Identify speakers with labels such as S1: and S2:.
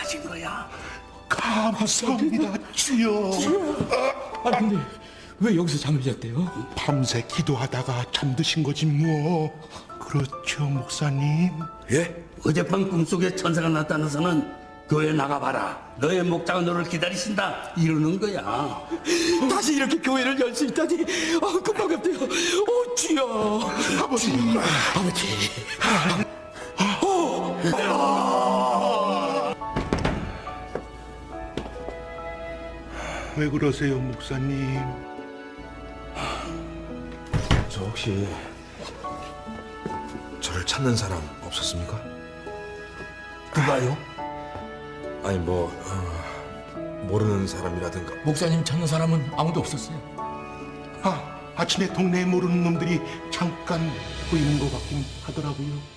S1: 찾은 거야.
S2: 감사합니다, 주여.
S3: 아니 근데 왜 여기서 잠을 잤대요?
S2: 밤새 기도하다가 잠드신 거지 뭐. 그렇죠, 목사님.
S1: 예? 어젯밤 꿈속에 천사가 나타나서는 교회 나가봐라. 너의 목자가 너를 기다리신다. 이러는 거야.
S3: 다시 이렇게 교회를 열 수 있다니 금방 갑대요. 주여.
S2: 아버지.
S3: 아버지.
S2: 왜 그러세요, 목사님?
S4: 저 혹시 저를 찾는 사람 없었습니까?
S1: 누가요?
S4: 아니 모르는 사람이라든가.
S3: 목사님 찾는 사람은 아무도 없었어요.
S2: 아침에 동네에 모르는 놈들이 잠깐 보이는 것 같긴 하더라고요.